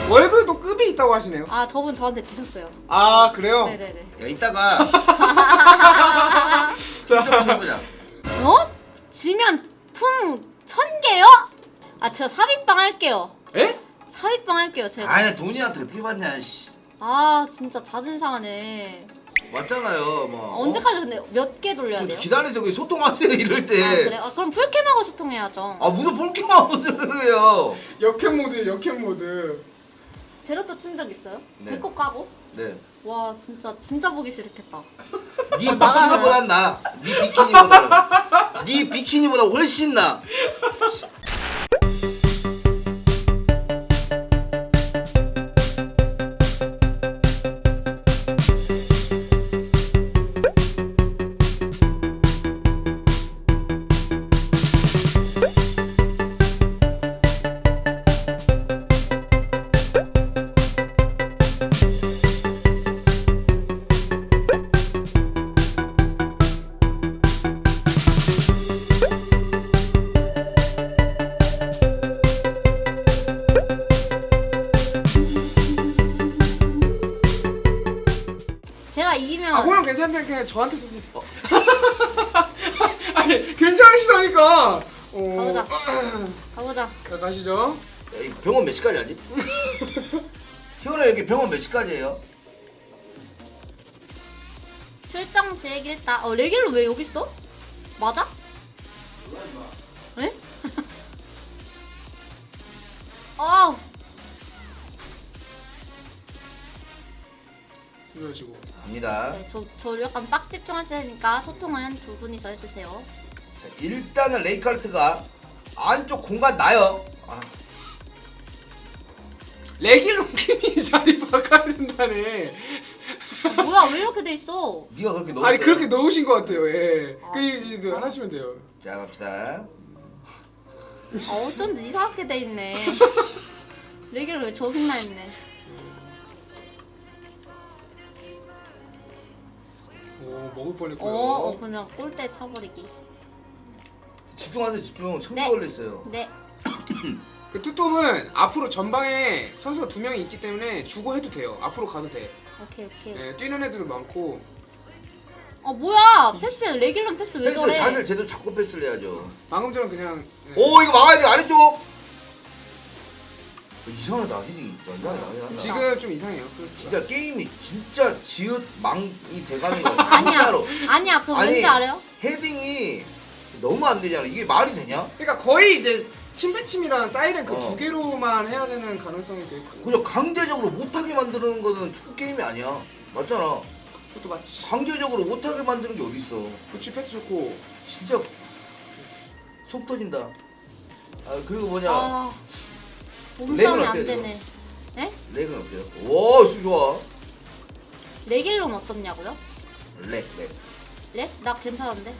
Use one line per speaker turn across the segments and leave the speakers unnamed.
월급도 급이 있다고 하시네요.
아 저분 저한테 지셨어요.
아 그래요?
네네네.
야 이따가
자,
한번 해보자.
어? 지면 품 1000개요? 아 제가 삽입방 할게요.
에?
삽입방 할게요 제가.
아니 돈이한테 어떻게 받냐 씨.
아 진짜 자존심 상하네.
맞잖아요 뭐.
언제까지 근데 몇 개 돌려야 돼요?
기다려서 그 소통하세요 이럴 때.
아 그래? 아 그럼 풀캠하고 소통해야죠.
아 무슨 폴키만 하세요.
역캠 모드, 역캠 모드.
제로또 친 적 있어요?
네.
배꼽 까고?
네.
와 진짜 보기 싫겠다.
네
나가는-
비키니보단 나. 네 비키니보다. 네 비키니보다 훨씬 나.
제가 이기면
아 호영 괜찮대 그냥 저한테 쏘세요. 아니 괜찮으시다니까.
가보자. 가보자.
자 가시죠.
야, 이 병원 몇 시까지 하지? 희원아 여기 병원 몇 시까지예요?
출정식 일단 레길로 왜 여기 있어? 맞아? 네? 아
이러시고.
갑니다.
네, 저 약간 빡 집중하셔야 되니까 소통은 두 분이서 해주세요.
자, 일단은 레이카르트가 안쪽 공간 나요. 아,
레길롱킴이 자리 바꿔야 된다네.
아, 뭐야 왜 이렇게 돼 있어?
네가 그렇게 넣었어.
아니 그렇게 넣으신 것 같아요. 예.
아,
그 이제 하시면 돼요.
자 갑시다.
아 어쩐지 이상하게 돼 있네. 레길로 왜 저기나 있네.
오 먹을 뻔했고요.
그냥 골대 쳐버리기.
집중하세요 집중. 천개
네.
걸렸어요.
네.
그 투톱은 앞으로 전방에 선수가 2명이 있기 때문에 주고 해도 돼요. 앞으로 가도 돼.
오케이.
네, 뛰는 애들도 많고.
뭐야 패스 레길로 패스 왜
패스
저래?
자세를 제대로 잡고 패스를 해야죠.
방금 전에 그냥 네.
오 이거 막아야 돼 아래쪽. 이상하다 헤딩이 완전
지금 좀 이상해요. 그렇죠.
진짜 게임이 진짜 지읒 망이 돼가는 거야.
아니야.
진짜로.
아니야 그거
아니,
왠지 알아요?
헤딩이 너무 안 되잖아. 이게 말이 되냐?
그러니까 거의 이제 침배침이랑 사이렌 그
어.
두 개로만 해야 되는 가능성이 되게 커요.
그냥 강제적으로 못하게 만드는 거는 축구 게임이 아니야. 맞잖아.
그것도 맞지.
강제적으로 못하게 만드는 게 어딨어.
그치 패스 좋고.
진짜 속 터진다. 아 그리고 뭐냐
아 몸싸움이
렉은
안
어때요,
되네. 네?
렉은 어때요? 오 수비 좋아.
레길로는 어떻냐고요?
렉.
렉? 나 괜찮은데?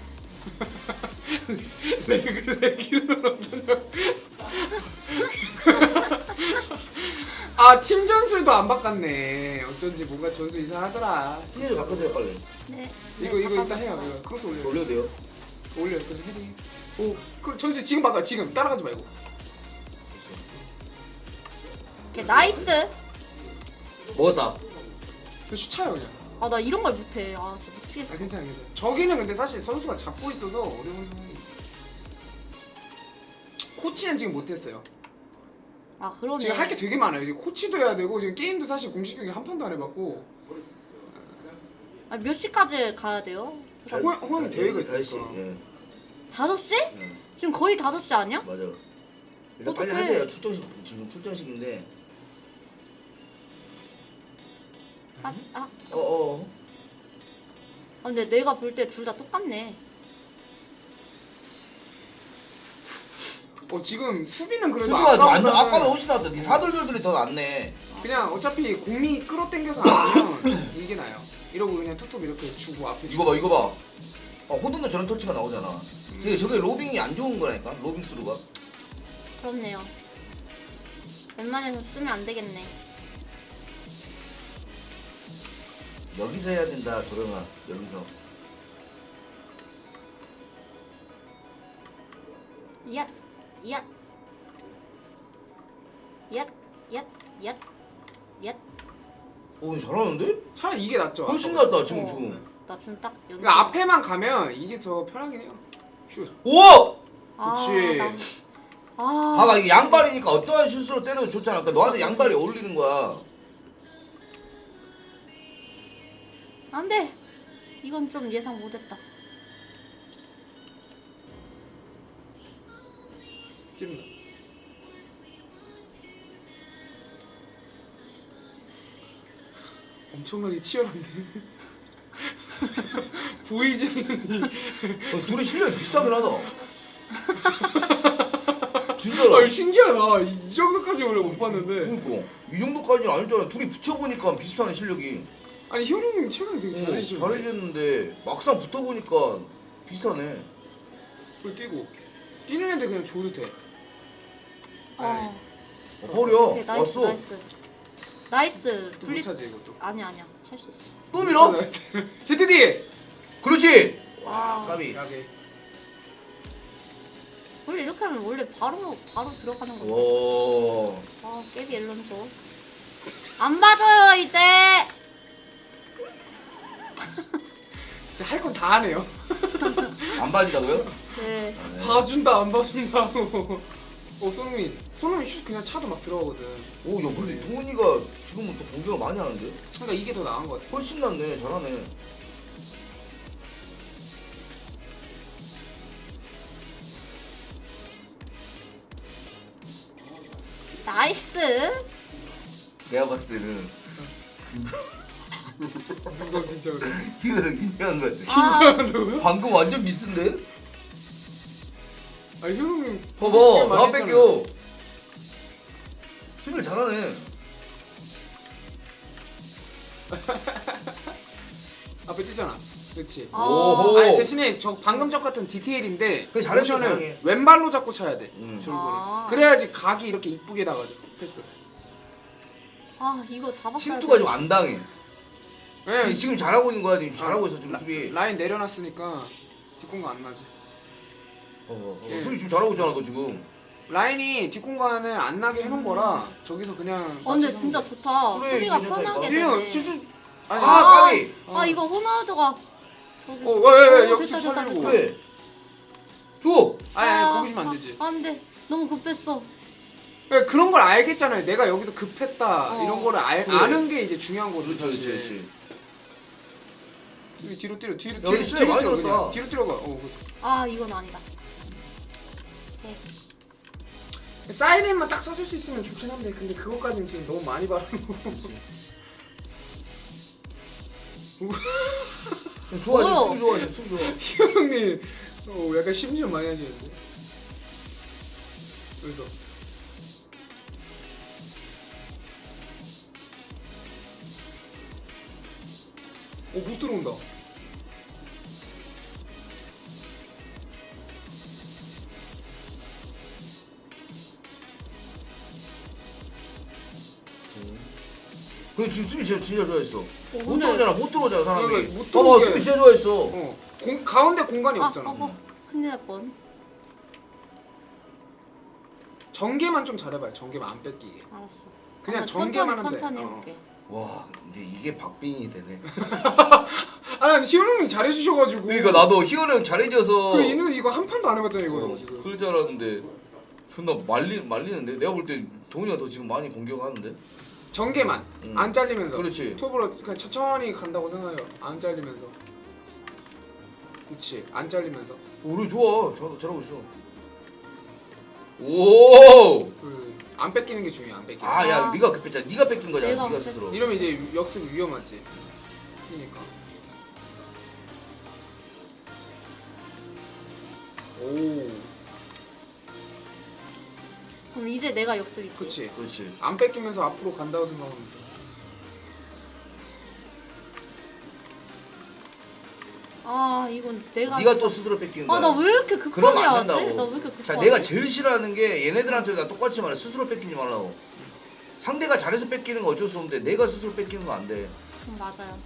레기는 어떠냐고. 아, 팀 전술도 안 바꿨네. 어쩐지 뭔가 전술 이상하더라.
티에서 바꿔줘요 빨리.
네.
이거 일단 해요. 이거 크로스 올려.
올려도 돼요?
올려. 그 헤딩. 오, 그 전술 지금 바꿔. 지금 따라가지 말고.
오케이 나이스.
먹었다.
그슛 차요 그냥.
아 나 이런 걸 못해. 아 진짜
아
미치겠어.
괜찮아. 저기는 근데 사실 선수가 잡고 있어서 어려운 상황이. 코치는 지금 못했어요.
아 그러네.
지금 할 게 되게 많아요. 이제 코치도 해야 되고 지금 게임도 사실 공식 경기 한 판도 안 해봤고.
몇 시까지 가야 돼요?
호영이 대회가
다시,
있으니까.
예.
5시?
예.
지금 거의 5시 아니야?
맞아. 일단 빨리
어떡해.
하세요. 출전식 지금 출전식인데.
아
어어.
근데 내가 볼 때 둘 다 똑같네.
지금 수비는 그래도
수비가 완전
아까보다는
아까보다 훨씬 낫다. 네 사돌돌들이 더 낫네.
그냥 어차피 공이 끌어당겨서 안 하면 이게 나요. 이러고 그냥 툭툭 이렇게 주고 앞에
이거 봐 이거 봐. 호든도 저런 터치가 나오잖아. 저게 로빙이 안 좋은 거라니까. 로빙 스루가.
그렇네요. 웬만해서 쓰면 안 되겠네.
여기서 해야 된다 도령아. 여기서.
얏, 얏, 얏, 얏, 얏. 얏.
근데 잘하는데?
차라리 이게 낫죠.
훨씬
아까보다.
낫다 지금
어.
지금.
나 지금 딱 연결.
그러니까 앞에만 가면 이게 더 편하긴 해요. 슛.
오!
그치.
봐봐 이게 양발이니까 어떠한 슛으로 때려도 좋잖아. 그러니까 너한테 양발이 어울리는 거야.
안돼. 이건 좀 예상 못했다.
찝는다. 엄청나게 치열한데. 보이지 않는
둘이 실력이 비슷하긴 하다.
아,
진짜로.
신기하다. 이 정도까지 원래 못 봤는데.
그러니까 이 정도까지는 아니잖아. 둘이 붙여보니까 비슷하네 실력이.
아니 효룡님 최근에 되게 잘하시죠.
잘해줬는데 막상 붙어보니까 비슷하네.
그걸 뛰고 뛰는 애들 그냥 줘도 돼.
어.
허리야.
오케이, 나이스
왔어.
나이스. 나이스.
또 못
분리.
차지 이것도.
아니야 찰 수 있어.
또 밀어?
ZD.
그렇지.
와.
까비.
야게.
원래 이렇게 하면 원래 바로 들어가는 거.
와.
아 깨비 앨런소. 안 봐줘요 이제.
진짜 할 건 다 하네요.
안 봐준다고요?
네.
봐준다 안 봐준다 하고. 손흥민 슛 그냥 차도 막 들어가거든.
오, 야, 근데 동훈이가 지금은 또 공격을 많이 하는데?
그러니까 이게 더 나은 것 같아.
훨씬 낫네, 잘하네.
나이스.
내가 봤을 때는
누가 긴장을 해?
이거를 긴장한 거 같아.
긴장한다고요?
방금 완전 미스인데?
아 효룡님
봐봐, 나 뺏겨. 수비를 잘하네.
앞에 뛰잖아. 그렇지.
아.
오호.
아니 대신에 저 방금 적 같은 디테일인데
그래, 잘했어,
모션을
잘하게.
왼발로 잡고 차야 돼. 저런
아.
거를. 그래야지 각이 이렇게 이쁘게 나가죠. 패스.
아 이거 잡았어야
침투가 좀 안 당해.
왜?
지금 잘하고 있는 거야, 지금 잘하고 있어, 지금 수비.
라인 내려놨으니까 뒷공간 안 나지. 예.
수비 지금 잘하고 있잖아, 너 지금.
라인이 뒷공간을 안 나게 해놓은 거라 저기서 그냥.
어 근데
맞춰서
진짜
하면 돼.
좋다.
그래,
수비가
괜찮다니까.
편하게
이거
되네.
진짜 아니.
아, 까비!
아 이거 호나우드가 저기.
왜
오,
역습
됐다, 됐다,
살리고.
됐다.
그래. 줘!
아니 거기 주면 안 되지.
안돼. 너무 급했어.
그러니까 그런 걸 알겠잖아요. 내가 여기서 급했다
어.
이런 거를
그래.
아는 게 이제 중요한 거든
그렇지,
사실.
그렇지.
뒤로 뛰어 뒤로
야, 근데 진짜 많이
뛰어
늘었다.
그냥 뒤로 뛰어가.
아 이건 아니다. 네.
사이렌만 딱 써줄 수 있으면 좋긴 한데 근데 그것까지는 지금 너무 많이 바르는 거.
좋아지,
뭐요?
수비 좋아지, 수비 좋아.
희영님 약간 심지어 많이 하시는데. 그래서 못 들어온다.
그래, 지금 수비 진짜 좋아했어. 못
근데-
들어오잖아, 못 들어오잖아, 사람이.
그러니까 못
봐봐,
들어오게.
수비 진짜 좋아했어.
가운데 공간이
아
없잖아.
큰일 날 뻔.
전개만 좀 잘해봐요. 전개만 안 뺏기게.
알았어.
그냥
아,
전개만 하면 돼.
천천히 해볼게.
와, 근데 이게 박빙이 되네.
아난 희영님 잘해주셔가지고.
그러니까 나도 희원이 형 잘해줘서.
그 이는 이거 한 판도 안 해봤잖아 이거. 지금.
그럴 줄 알았는데 존나 말리는데? 내가 볼 때 동훈이가 더 지금 많이 공격하는데?
전개만 안 잘리면서.
그렇지.
톱으로 그냥 천천히 간다고 생각해요. 안 잘리면서. 그렇지. 안 잘리면서.
우리 좋아. 잘하고 있어. 오!
안 뺏기는 게 중요해. 안 뺏기는.
아, 야,
아.
네가 급했잖아. 네가 뺏긴 거잖아.
내가
네가
급했어.
스스로.
이러면 이제 역습 위험하지. 그러니까. 오.
그럼 이제 내가 역습이지.
그렇지.
그렇지.
안 뺏기면서 앞으로 간다고 생각하면 돼.
아 이건 내가.
네가 또 스스로 뺏긴 거야.
아나 왜 이렇게 급하게
그러면 안
하지?
된다고.
나 왜 이렇게 급하게?
자, 내가 제일 싫어하는 게 얘네들한테 나 똑같이 말해. 스스로 뺏기지 말라고. 상대가 잘해서 뺏기는 거 어쩔 수 없는데 내가 스스로 뺏기는 거 안 돼.
맞아요.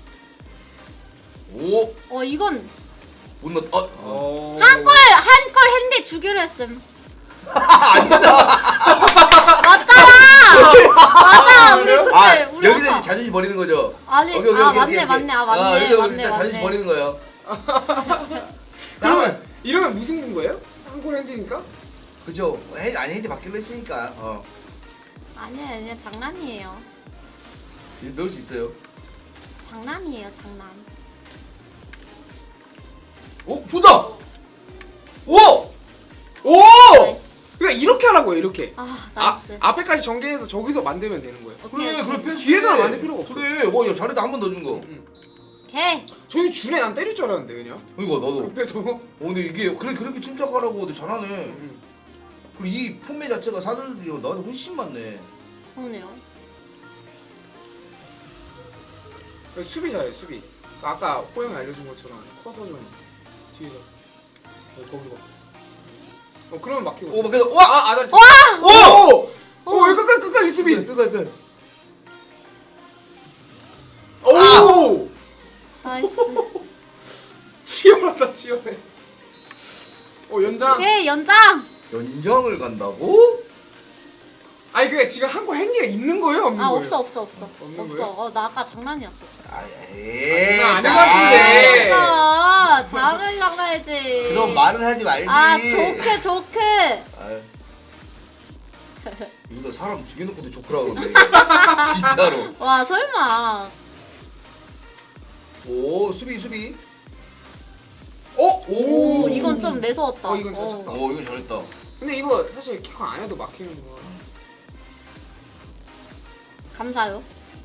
오!
이건
뭔가
한 골 했는데 주기로 했음. 맞잖아. 맞아. 우리 그때
아, 자존심 버리는 거죠.
아니
오케이,
아
오케이,
맞네
오케이.
맞네 아 맞네
여기서
맞네
일단 자존심
맞네.
버리는 거예요.
그러면 이러면 무슨 군 거예요? 한골 핸디니까?
그죠? 아니 핸디 받기로 했으니까.
아니야 장난이에요.
이제 넣을 수 있어요.
장난이에요 장난.
오 좋다. 오.
오!
나이스.
그러니까 이렇게 하라고요 이렇게.
아 나이스.
앞에까지 전개해서 저기서 만들면 되는 거예요.
오케이,
그래
오케이.
패스.
뒤에서는 만들 필요가 없어.
그래. 와 잘했다 한 번 더 준 거.
오케이.
저기 준에 난 때릴 줄 알았는데 그냥.
이거 나도.
급해서.
근데 이게 그렇게 침착하라고 근데 잘하네. 그리고 이 폼매 자체가 사들들이 나한테 훨씬 많네.
그러네요.
수비 잘해 수비. 아까 호영이 알려준 것처럼 커서 좀 뒤에서. 거기로 가. 그러면 막히고.
오 막혀서 와.
아다리.
와!
오! 오! 끝까지 수비.
끝까지.
오!
나이스.
치열하다 치열해. 연장.
오케이 연장.
연장을 간다고?
아니 그게 지금 한골 핸디가 있는 거예요 없는
아
거예요?
없어.
없는
없어.
거예요?
나 아까 장난이었어. 진짜.
아닌 것 같은데.
알았어. 장을 장난이지.
그럼 말은 하지 말지.
아 좋게.
아유. 이거 사람 죽여놓고도 좋더라고 근데 진짜로.
와 설마.
오 수비.
오!
이건 좀 매서웠다.
이건 잘 쳤다.
오 이거 잘했다.
근데 이거 사실 키커 안 해도 막히는 거야.
감사요.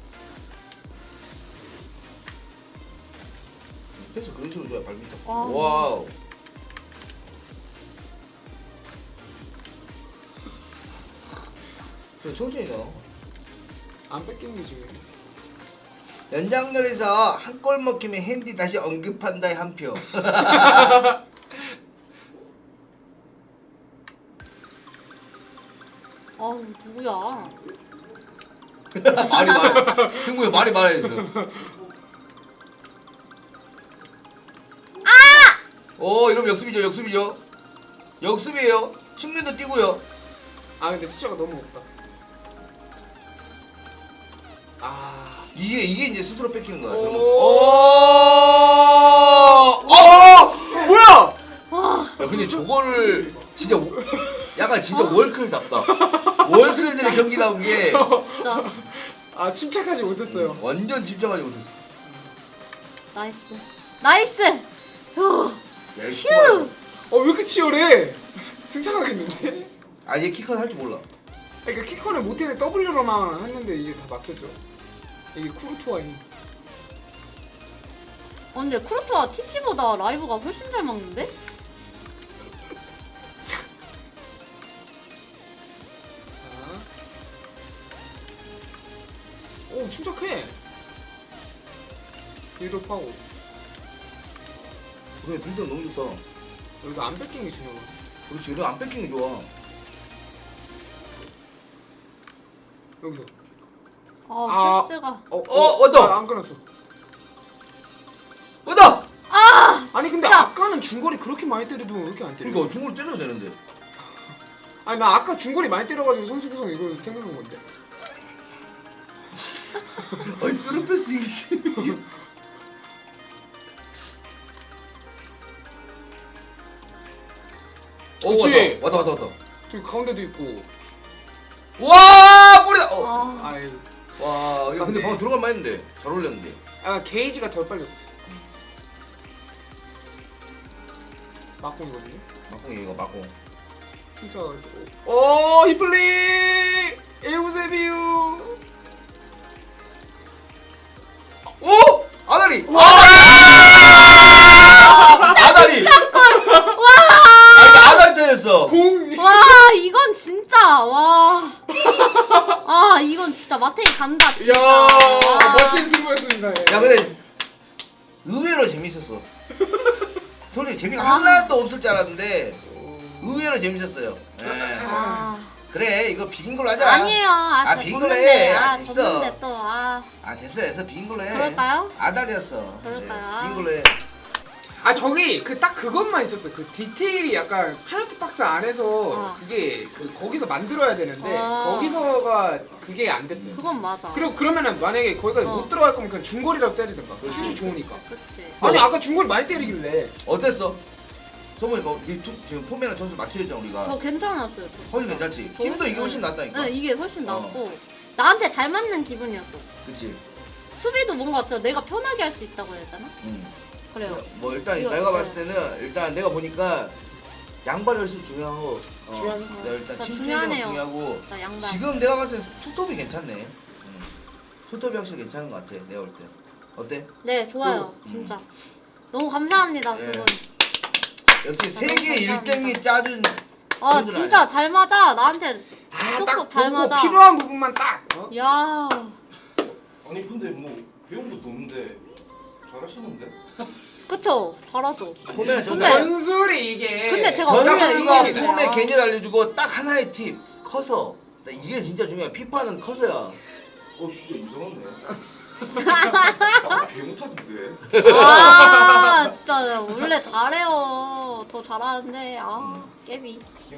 패스 그런 식으로 줘야 발밑 잡고.
와.
와우. 그래 천천히 나.
안 뺏기는 게 중요해.
연장전에서 한 골 먹히면 핸디 다시 언급한다의 한 표.
아우 누구야?
말이 말해. 승부에 말이 말해있어. 오 이러면 역습이죠. 역습이에요. 측면도 뛰고요.
아 근데 숫자가 너무 없다. 아
이게 이제 스스로 뺏기는 거야.
오.
오.
뭐야?
와.
야 근데 저거를 진짜 약간 진짜 월클답다. 월클들의 경기 나온 게
진짜
아 침착하지 못했어요.
완전 집중하지 못했어.
나이스. 휴.
휴.
왜 이렇게 치열해? 승차하겠는데?
아얘 키커는 할 줄 몰라.
그러니까 키커는 못했는데 W로만 했는데 이게 다 막혔죠. 이게 쿠르투아이.
근데 크루트와 TC보다 라이브가 훨씬 잘 막는데?
자. 오 침착해. 빌드업하고
그래 빌드 너무 좋다.
여기서 안 뺏긴 게 중요해.
그렇지 그래 안 뺏기는 게 좋아.
여기서.
패스가.
왔다.
안 끊었어.
왔다.
아니 근데
진짜.
아까는 중거리 그렇게 많이 때리더니 왜 이렇게 안 때려?
그러니까 중거리 때려야 되는데.
아니 나 아까 중거리 많이 때려가지고 선수 구성 이거 생각한 건데.
아니 쓰는 패스 이게.
그렇지.
왔다.
저기 가운데도 있고.
와 뿌리다.
아이.
와 야, 근데 방금 들어갈 만했는데 잘 올렸는데.
아 게이지가 덜 빨렸어. 막공이거든요.
막공 이거 막공.
승차가 오 히플리 에우세비우.
오 아다리. 아다리. 아다리 터졌어.
공.
와 이건 진짜 와. 이건 진짜 마테이 간다 진짜.
야
와.
멋진 승부였습니다. 예.
야 근데 의외로 재밌었어. 솔직히 재미가 하나도 없을 줄 알았는데 의외로 재밌었어요. 예. 그래 이거 비긴 걸로 하자.
아니에요. 저
비긴 걸로
졌는데.
해. 됐어.
졌는데 또
됐어 비긴 걸로 해.
그럴까요?
아다리였어.
그럴까요?
비긴 걸로 해.
아 저기 그 딱 그것만 있었어. 그 디테일이 약간 페널티 박스 안에서 그게 그 거기서 만들어야 되는데 거기서가 그게 안 됐어요.
그건 맞아.
그리고 그러면은 만약에 거기까지 못 들어갈 거면 그냥 중거리라도 때리든가. 슛이 좋으니까.
그치.
아니 아까 중거리 많이 때리길래.
어땠어? 소보니까 지금 포메랑 점수 맞춰야잖아 우리가.
저 괜찮았어요. 저
훨씬
진짜.
괜찮지.
저
팀도 이게 훨씬 낫다니까.
네, 이게 훨씬 낫고 나한테 잘 맞는 기분이었어.
그치.
수비도 뭔가 진짜 내가 편하게 할 수 있다고 해야 되나? 그래요.
뭐 일단
이거
내가
어때요?
봤을 때는 일단 내가 보니까 양발이 훨씬 중요하고
중요하죠.
내가 일단
진짜
팀
중요하네요.
플레이가 중요하고
나 양반.
지금 내가 봤을 때 투톱이 괜찮네. 투톱이 확실히 괜찮은 것 같아. 내가 볼 때. 어때?
네, 좋아요. 진짜. 너무 감사합니다,
예.
두 분.
역시
아,
세계
너무
1등이 짜준
아,
그건
진짜 잘 맞아. 나한테
아딱
쏙쏙 잘
보고
맞아.
필요한 부분만 딱. 어?
야.
아니 근데 뭐 배운 것도 없는데 잘하시는데?
그쵸? 잘하죠.
포메랑
근데-
전술이 이게.
근데 제가
전술이
원래
전술과
이게
폼의
이거야.
개념 알려주고 딱 하나의 팁 커서 이게 진짜 중요해. 피파는 커서야.
어 진짜 이상하네. 개 못하던데.
아, 진짜 원래 잘해요. 더 잘하는데 아, 깨비.